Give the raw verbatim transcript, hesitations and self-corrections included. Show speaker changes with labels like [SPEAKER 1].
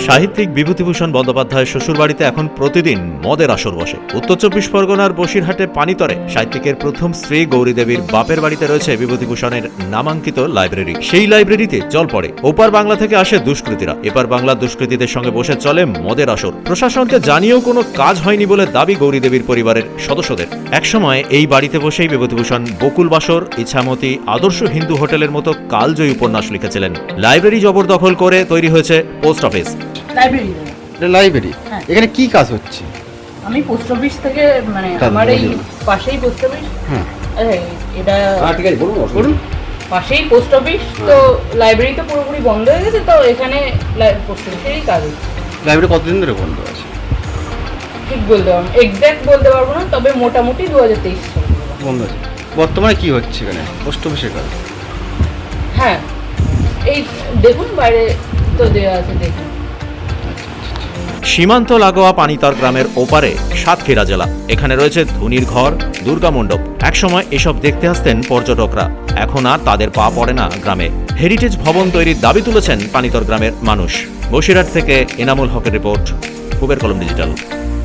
[SPEAKER 1] সাহিত্যিক বিভূতিভূষণ বন্দ্যোপাধ্যায়ের শ্বশুরবাড়িতে এখন প্রতিদিন মদের আসর বসে। উত্তর চব্বিশ পরগনার বসিরহাটে পানিতরে সাহিত্যিকের প্রথম স্ত্রী গৌরীদেবীর বাপের বাড়িতে রয়েছে বিভূতিভূষণের নামাঙ্কিত লাইব্রেরি। সেই লাইব্রেরিতে জল পড়ে। ওপার বাংলা থেকে আসে দুষ্কৃতীরা, এপার বাংলার দুষ্কৃতীদের সঙ্গে বসে চলে মদের আসর। প্রশাসনকে জানিয়েও কোনো কাজ হয়নি বলে দাবি গৌরীদেবীর পরিবারের সদস্যদের। একসময় এই বাড়িতে বসেই বিভূতিভূষণ বকুল বাসর, ইছামতি, আদর্শ হিন্দু হোটেলের মতো কালজয়ী উপন্যাস লিখেছিলেন। লাইব্রেরি জবরদখল করে তৈরি হয়েছে পোস্ট অফিস।
[SPEAKER 2] লাইব্রেরি
[SPEAKER 3] লাইব্রেরি
[SPEAKER 2] হ্যাঁ।
[SPEAKER 3] এখানে কি কাজ হচ্ছে?
[SPEAKER 2] আমি পোস্ট অফিস থেকে মানে
[SPEAKER 3] তাহলে
[SPEAKER 2] আমার এই
[SPEAKER 3] বলুন।
[SPEAKER 2] পাশেই পোস্ট অফিস।
[SPEAKER 3] হ্যাঁ
[SPEAKER 2] এই, এটা
[SPEAKER 3] ঠিক আছে, বলুন বলুন।
[SPEAKER 2] পাশেই পোস্ট অফিস, তো লাইব্রেরি তো পুরোপুরি বন্ধ হয়ে গেছে, তো এখানে পোস্ট অফিসেরই কাজ হচ্ছে।
[SPEAKER 3] লাইব্রেরি কতদিন ধরে বন্ধ আছে?
[SPEAKER 2] ঠিক বলতে পারবো, এক্স্যাক্ট বলতে পারবো না, তবে মোটামুটি দু হাজার তেইশ সাল
[SPEAKER 3] বন্ধ আছে। বর্তমানে কি হচ্ছে এখানে? পোস্ট অফিসের কাজ।
[SPEAKER 2] হ্যাঁ, এই দেখুন বাইরে তো দেওয়া আছে, দেখুন।
[SPEAKER 1] সীমান্ত লাগোয়া পানিতর গ্রামের ওপারে সাতক্ষীরা জেলা। এখানে রয়েছে ধুনির ঘর, দুর্গা মণ্ডপ। একসময় এসব দেখতে আসতেন পর্যটকরা, এখন আর তাদের পা পড়ে না গ্রামে। হেরিটেজ ভবন তৈরির দাবি তুলেছেন পানিতর গ্রামের মানুষ। বসিরহাট থেকে এনামুল হকের রিপোর্ট, কুবের কলম ডিজিটাল।